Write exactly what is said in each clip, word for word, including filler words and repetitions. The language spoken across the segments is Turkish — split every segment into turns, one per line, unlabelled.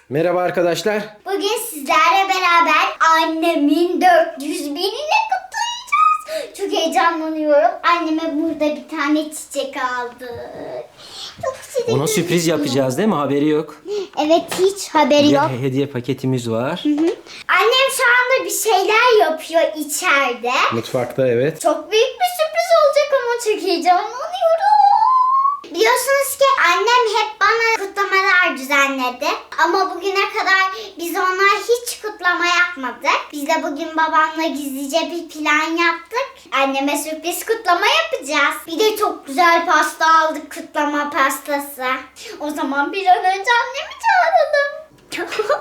Merhaba arkadaşlar.
Bugün sizlerle beraber annemin dört yüz binini kutlayacağız. Çok heyecanlanıyorum. Anneme burada bir tane çiçek aldık. Çok çiçek.
Ona sürpriz yapacağız değil mi? Haberi yok.
Evet, hiç haberi yok.
Bir hediye paketimiz var.
Hı hı. Annem şu anda bir şeyler yapıyor içeride.
Mutfakta evet.
Çok büyük bir sürpriz olacak ama çok heyecanlanıyorum. Biliyorsunuz ki annem hep bana kutlamalar düzenledi. Ama bugüne kadar biz ona hiç kutlama yapmadık. Biz de bugün babamla gizlice bir plan yaptık. Anneme sürpriz kutlama yapacağız. Bir de çok güzel pasta aldık, kutlama pastası. O zaman bir an önce annemi çağıralım.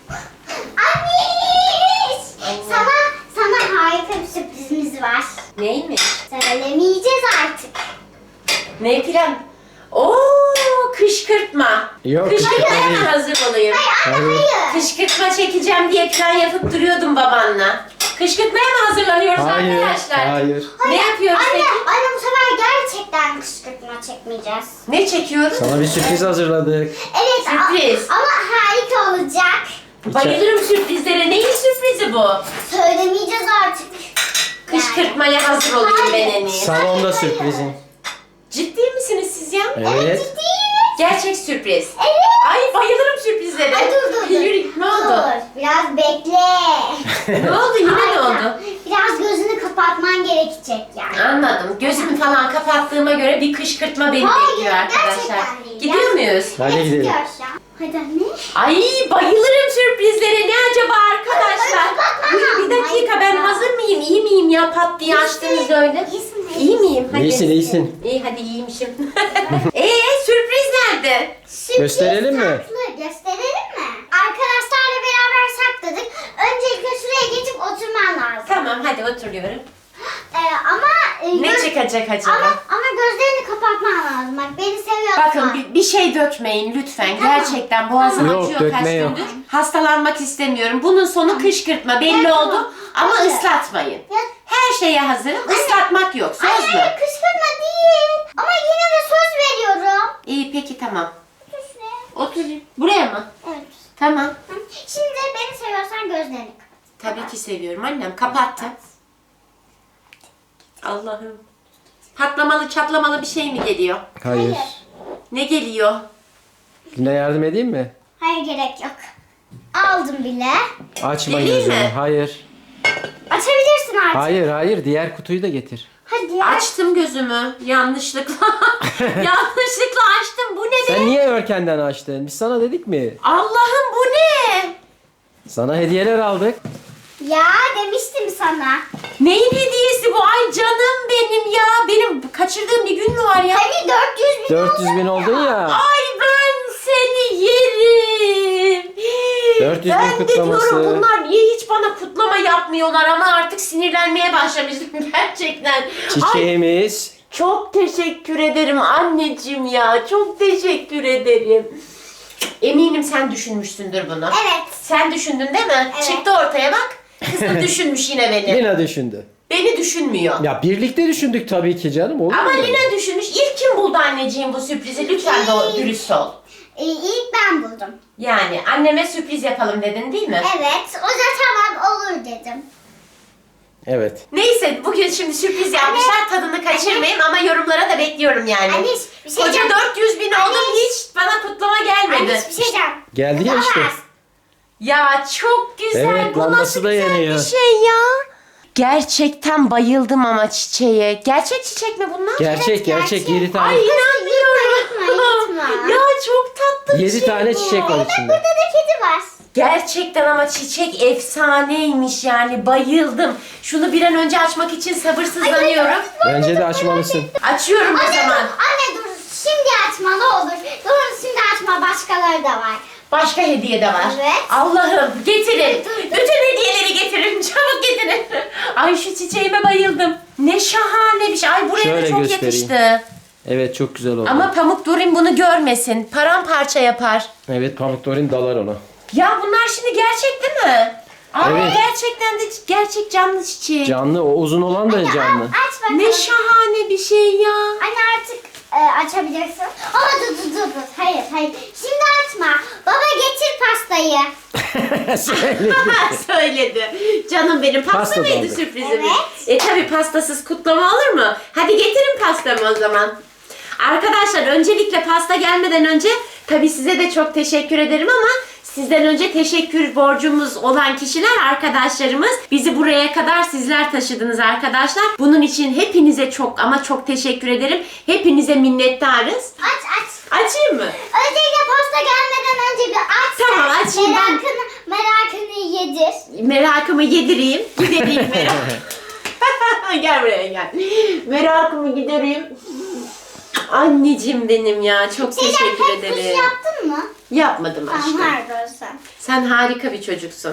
Anne! Sana, sana harika bir sürprizimiz var.
Neymiş?
Söylemeyeceğiz artık.
Ne plan? Oo, kışkırtma.
Yok,
Kışkırtmaya
kışkırtma
mı
değil.
hazır olayım?
Anne
Hayır.
hayır.
Kışkırtma çekeceğim diye plan yapıp duruyordum babanla. Kışkırtmaya mı hazırlanıyoruz
Hayır.
arkadaşlar?
Hayır.
Ne yapıyoruz
Anne,
peki?
anne bu sefer gerçekten kışkırtma çekmeyeceğiz.
Ne çekiyoruz?
Sana bir sürpriz hazırladık.
Evet a-
Sürpriz.
ama harika olacak.
Bayılırım sürprizlere. Neyin sürprizi bu?
Söylemeyeceğiz artık.
Kışkırtmaya hazır olayım ben en iyi.
Salonda sürprizin.
Ciddi misiniz siz ya?
Evet.
Ciddiyiz.
Gerçek sürpriz.
Evet.
Ay bayılırım sürprizlere.
Ay dur dur dur.
Yürü, ne oldu?
Dur biraz bekle.
Ne oldu? Yine ne
Aynen.
oldu?
Biraz gözünü kapatman gerekecek yani.
Anladım. Gözümü falan kapattığıma göre bir kışkırtma beni
Hayır,
bekliyor arkadaşlar.
gerçekten değil.
Gidiyor muyuz?
Hadi gidelim.
Gidiyoruz şu an. Hadi anne.
Ay bayılırım sürprizlere. Ne acaba arkadaşlar?
Ay,
Dur, bir dakika ben hazır mıyım? İyi miyim ya? Pat diye açtınız öyle.
İyisin,
İyi miyim? Hadi.
İyisin iyisin.
İyi hadi iyiymişim. Eee sürpriz nerede?
Sürpriz
Gösterelim mi?
saklı. Gösterelim mi? Arkadaşlarla beraber sakladık. Öncelikle şuraya geçip oturman lazım.
Tamam hadi oturuyorum.
Ee, ama e,
Ne
göz-
çıkacak acaba?
Ama, ama gözlerini kapatman lazım. Bak beni seviyorsan.
Bakın bir, bir şey dökmeyin lütfen.
Tamam.
Gerçekten boğazım
Yok,
acıyor
dökme
kaç
yok.
gündür. Hastalanmak istemiyorum. Bunun sonu kışkırtma belli
Evet,
oldu.
tamam.
Ama
Hayır.
ıslatmayın.
Ya-
Her şeye hazırım. Islatmak yok. Söz
Hayır,
mü?
hayır, kışkırtma değil. Ama yine de söz veriyorum.
İyi peki tamam.
Otur şuraya.
Oturayım. Buraya mı?
Evet.
Tamam.
Hı. Şimdi beni seviyorsan gözlerini kapat.
Tabii ki seviyorum annem. Kapattım. Allah'ım. Patlamalı çatlamalı bir şey mi geliyor?
Hayır.
Ne geliyor?
Yine yardım edeyim mi?
Hayır, gerek yok. Aldım bile.
Açma
Geleyim
gözünü.
mi?
Hayır.
Açabilirsin artık.
Hayır hayır. Diğer kutuyu da getir.
Hadi.
Açtım gözümü. Yanlışlıkla. Yanlışlıkla açtım. Bu ne be?
Sen niye örkenden açtın? Biz sana dedik mi?
Allah'ım bu ne?
Sana hediyeler aldık.
Ya demiştim sana.
Neyin hediyesi bu? Ay canım benim ya. Benim kaçırdığım bir gün mü var ya?
Hani dört yüz bin
dört yüz bin
oldu
oldun ya.
Ay ben seni yerim.
dört yüz bin
ben de
kutlaması.
diyorum bunlar niye hiç bana kutlama yapmıyorlar ama artık sinirlenmeye başlamıştım gerçekten. Ay,
Çiçeğimiz.
çok teşekkür ederim anneciğim ya. Çok teşekkür ederim. Eminim sen düşünmüşsündür bunu.
Evet.
Sen düşündün değil mi?
Evet.
Çıktı ortaya bak. Kızım düşünmüş yine beni.
Lina düşündü.
Beni düşünmüyor.
Ya birlikte düşündük tabii ki canım. Olur
Ama
mu?
Lina düşünmüş. İlk kim buldu anneciğim bu sürprizi? Lütfen de dürüst ol.
Ee, ilk ben buldum.
Yani anneme sürpriz yapalım dedin değil mi?
Evet. O da tamam olur dedim.
Evet.
Neyse bugün şimdi sürpriz yapmışlar. Tadını kaçırmayayım ama yorumlara da bekliyorum yani.
Anne, bir şey
Koca
diyeceğim.
dört yüz bin oldum
Anne.
hiç bana kutlama gelmedi.
Anne bir şey diyeceğim.
Geldi ya işte.
Olamaz.
Ya çok güzel.
Evet,
Bu
lambası
nasıl
da
güzel
yanıyor.
bir şey ya. Gerçekten bayıldım ama çiçeğe. Gerçek çiçek mi bunlar?
Gerçek
Evet,
gerçek
gerçek.
yedi tane.
Ay inanmıyorum.
Yutma, yutma.
Ya çok tatlı bir
Yedi
şey
tane
bu.
çiçek var içinde.
Burada da kedi var.
Gerçekten ama çiçek efsaneymiş yani bayıldım. Şunu bir an önce açmak için sabırsızlanıyorum.
Bence de açmalısın.
Açıyorum o
Anne
zaman.
dur, anne dur. Şimdi açma ne olur. Dur şimdi açma, başkaları da var.
Başka hediye de var.
Evet.
Allah'ım getirin.
Dur, dur.
Bütün hediyeleri getirin. Çabuk getirin. Ay şu çiçeğime bayıldım. Ne şahane bir şey. Ay buraya
Şöyle
da çok
göstereyim.
yakıştı.
Evet çok güzel oldu.
Ama Pamuk Durin bunu görmesin. Paramparça yapar.
Evet Pamuk Dorin dalar ona.
Ya bunlar şimdi gerçek değil mi? Aa,
Evet.
gerçekten de gerçek canlı çiçeği.
Canlı o uzun olan da canlı.
Aç bakalım.
Ne şahane bir şey ya.
Anne artık e, açabilirsin. Ama dur dur dur dur. Hayır hayır. Şimdi açma. Baba getir pastayı. pastayı.
Söyledi.
Söyledi. Canım benim pasta,
Pasta
mıydı
doldu.
sürprizimiz?
Evet.
E tabi pastasız kutlama olur mu? Hadi getirin pastamı o zaman. Arkadaşlar öncelikle pasta gelmeden önce tabi size de çok teşekkür ederim ama sizden önce teşekkür borcumuz olan kişiler arkadaşlarımız. Bizi buraya kadar sizler taşıdınız arkadaşlar. Bunun için hepinize çok ama çok teşekkür ederim. Hepinize minnettarız.
Aç aç.
Açayım mı?
Öncelikle pasta gelmeden önce bir aç.
Tamam,
sen.
açayım ben.
Merakını, merakını yedir.
Merakımı yedireyim. Gidereyim merak. Gel buraya gel. Merakımı gidereyim. Anneciğim benim ya. Çok
Şeyden
teşekkür
pek kuş
ederim.
yaptın mı?
Yapmadım aşkım.
Tamam harika sen.
Sen harika bir çocuksun.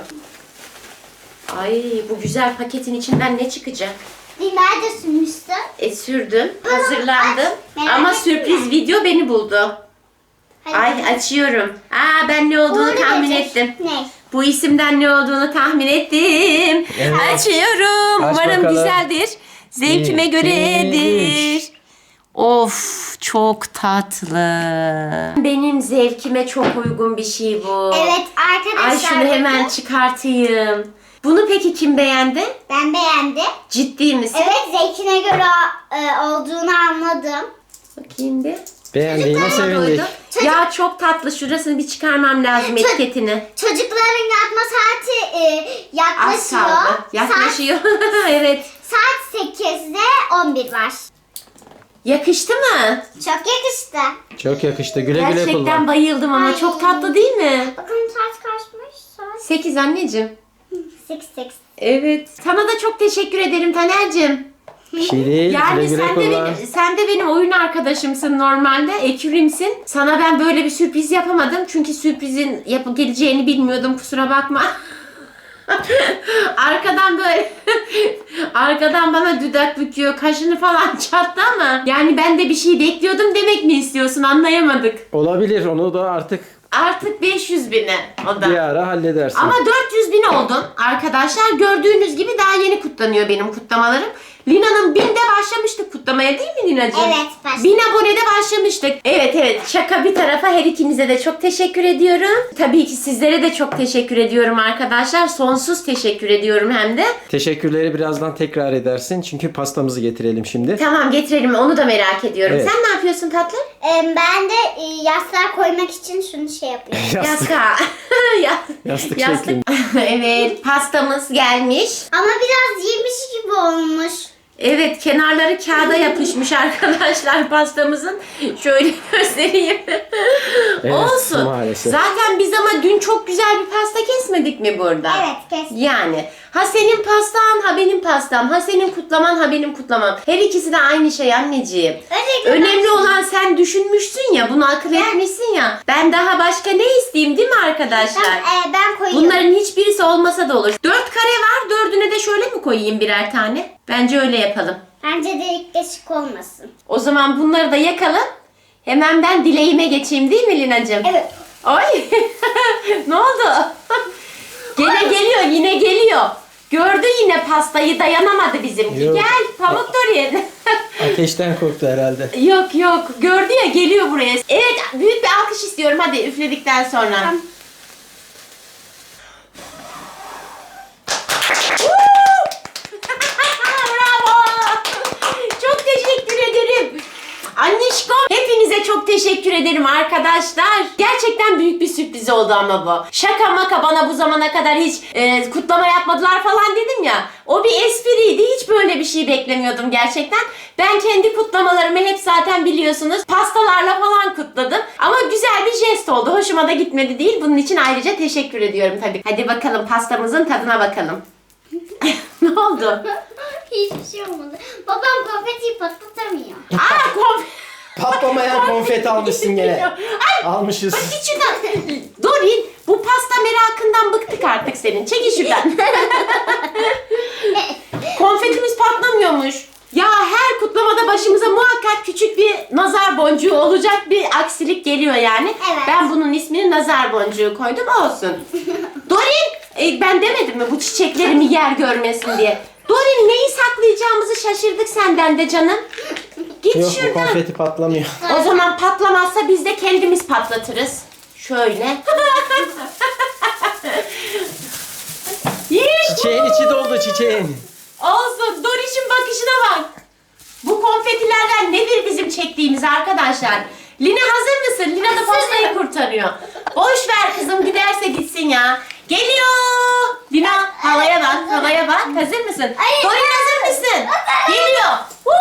Ay bu güzel paketin içinden ne çıkacak?
Dilber de sürmüştü.
E sürdüm,
Tamam,
hazırlandım.
aç. Merak
Ama
etme.
sürpriz video beni buldu.
Hadi.
Ay açıyorum. Aa ben ne olduğunu
Uğurlu
tahmin
getir.
ettim.
Ne?
Bu isimden ne olduğunu tahmin ettim.
Evet.
Açıyorum.
Aç
Umarım
bakalım.
güzeldir. Zevkime
Bir,
göredir.
iki,
Of çok tatlı. Benim zevkime çok uygun bir şey bu.
Evet arkadaşlar.
Ay şunu hemen
bakın.
çıkartayım. Bunu peki kim beğendi?
Ben beğendim.
Ciddi misin?
Evet zevkine göre e, olduğunu anladım.
Bakayım bir.
Beğendiğine sevindik.
Çocuk-
Ya çok tatlı. Şurasını bir çıkarmam lazım
Çocuk-
etiketini.
Çocukların yatma saati e,
Az
yaklaşıyor.
kaldı. Yaklaşıyor. evet.
Saat, saat sekizde on bir var.
Yakıştı mı?
Çok yakıştı.
Çok yakıştı. Güle güle
Gerçekten
kullan.
bayıldım ama
Ay.
çok tatlı değil mi?
Bakın saat kaçmış? Saat
sekiz anneciğim.
sekiz sekiz.
Evet. Sana da çok teşekkür ederim Taner'cim.
Bir şey değil.
Yani
Güle güle
sen de,
kullan.
benim, sen de benim oyun arkadaşımsın normalde. Ekürümsün. Sana ben böyle bir sürpriz yapamadım. Çünkı sürprizin yapı geleceğini bilmiyordum. Kusura bakma. Arkadan böyle arkadan bana dudak büküyor, kaşını falan çattı ama yani ben de bir şey bekliyordum demek mi istiyorsun, anlayamadık.
Olabilir. Onu da artık
Artık beş yüz bine o da.
bir ara halledersin.
Ama dört yüz bin oldun arkadaşlar. Gördüğünüz gibi daha yeni kutlanıyor benim kutlamalarım. Lina'nın binde başlamıştık kutlamaya değil mi Lina'cığım?
Evet, başladık.
Bin abonede başlamıştık. Evet evet, şaka bir tarafa her ikinize de çok teşekkür ediyorum. Tabii ki sizlere de çok teşekkür ediyorum arkadaşlar. Sonsuz teşekkür ediyorum hem de.
Teşekkürleri birazdan tekrar edersin. Çünkü pastamızı getirelim şimdi.
Tamam getirelim, onu da merak ediyorum.
Evet.
Sen ne yapıyorsun tatlım?
E, ben de e, yastığa koymak için şunu şey yapıyorum.
Yastık.
Yastığa. Ya-
Yastık
Yastık.
şeklinde.
Evet, pastamız gelmiş.
Ama biraz yemiş gibi olmuş.
Evet, kenarları kağıda yapışmış arkadaşlar pastamızın. Şöyle göstereyim.
Evet,
Olsun.
maalesef.
Zaten biz ama dün çok güzel bir pasta kesmedik mi burada?
Evet kes.
Yani ha senin pastan ha benim pastam, ha senin kutlaman ha benim kutlamam. Her ikisi de aynı şey anneciğim.
Öncelikle
Önemli
ben-
olan sen düşünmüşsün ya, bunu akıl etmişsin ya. Ben daha başka ne isteyeyim değil mi arkadaşlar?
Ben, e, ben koyuyorum.
Bunların hiçbirisi olmasa da olur. Dört kare var, dördüne de şöyle mi koyayım birer tane? Bence öyle yapalım.
Bence delik deşik olmasın.
O zaman bunları da yakalım. Hemen ben dileğime geçeyim değil mi Lina'cığım?
Evet.
Ay ne oldu? Gene geliyor, yine geliyor. Gördü yine pastayı, dayanamadı bizimki.
Yok.
Gel Pamuk Dorin.
Ateşten korktu herhalde.
Yok yok, gördü ya, geliyor buraya. Evet, büyük bir alkış istiyorum hadi üfledikten sonra.
Tamam.
Bravo. Çok teşekkür ederim. Anneşkom, hepinize çok teşekkür ederim arkadaşlar. Gerçekten büyük bir sürpriz oldu ama bu. Şaka maka, bana bu zamana kadar hiç e, kutlama yapmadılar falan dedim ya. O bir espriydi. Hiç böyle bir şey beklemiyordum gerçekten. Ben kendi kutlamalarımı hep zaten biliyorsunuz pastalarla falan kutladım. Ama güzel bir jest oldu. Hoşuma da gitmedi değil. Bunun için ayrıca teşekkür ediyorum tabii. Hadi bakalım pastamızın tadına bakalım. Ne oldu?
Hiçbir şey olmadı. Babam konfetiyi patlatamıyor.
Aa konf...
Patlamayan konfeti almışsın gene.
Ay,
Almışız.
bak git şuradan. Dorin, bu pasta merakından bıktık artık senin. Çekil şuradan. Konfetimiz patlamıyormuş. Ya her kutlamada başımıza muhakkak küçük bir nazar boncuğu olacak bir aksilik geliyor yani.
Evet.
Ben bunun ismini nazar boncuğu koydum, olsun. Dorin, e, ben demedim mi bu çiçeklerimi yer görmesin diye. Dorin, neyi saklayacağımızı şaşırdık senden de canım. Git
Yok, bu
şuradan.
konfeti patlamıyor.
O zaman patlamazsa biz de kendimiz patlatırız. Şöyle.
Çiçeğin içi doldu çiçeğin.
Olsun. Doriş'in bakışına bak. Bu konfetilerden nedir bizim çektiğimiz arkadaşlar? Lina hazır mısın? Lina da pastayı kurtarıyor. Boş ver kızım, giderse gitsin ya. Geliyor. Lina havaya bak, havaya bak. Hazır mısın?
Hayır.
Dorin hazır mısın? Geliyor.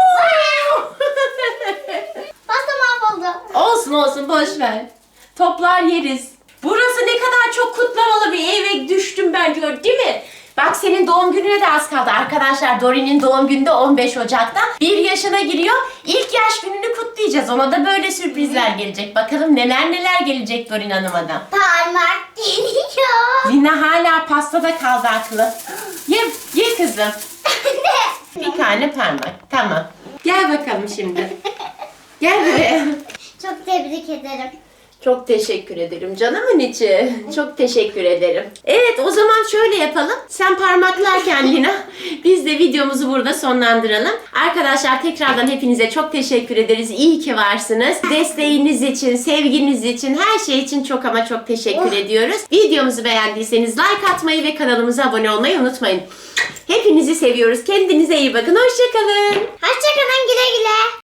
Pasta mahvoldu.
Olsun olsun, boş ver. Toplar yeriz. Burası ne kadar çok kutlamalı bir eve düştüm ben diyor, değil mi? Bak senin doğum gününe de az kaldı arkadaşlar. Dorin'in doğum günü de on beş Ocak'ta. Bir yaşına giriyor. İlk yaş gününü kutlayacağız. Ona da böyle sürprizler gelecek. Bakalım neler neler gelecek Dorin Hanım'a da.
Parmak geliyor.
Lina hala pastada kaldı aklı. Ye, ye kızım. Bir tane parmak. Tamam. Gel bakalım şimdi. Gel buraya.
Çok tebrik ederim.
Çok teşekkür ederim canımın içi. Çok teşekkür ederim. Evet, o zaman şöyle yapalım. Sen parmaklarken Lina, biz de videomuzu burada sonlandıralım. Arkadaşlar tekrardan hepinize çok teşekkür ederiz. İyi ki varsınız. Desteğiniz için, sevginiz için, her şey için çok ama çok teşekkür ediyoruz. Videomuzu beğendiyseniz like atmayı ve kanalımıza abone olmayı unutmayın. Hepinizi seviyoruz. Kendinize iyi bakın. Hoşça kalın.
Hoşçakalın, güle güle.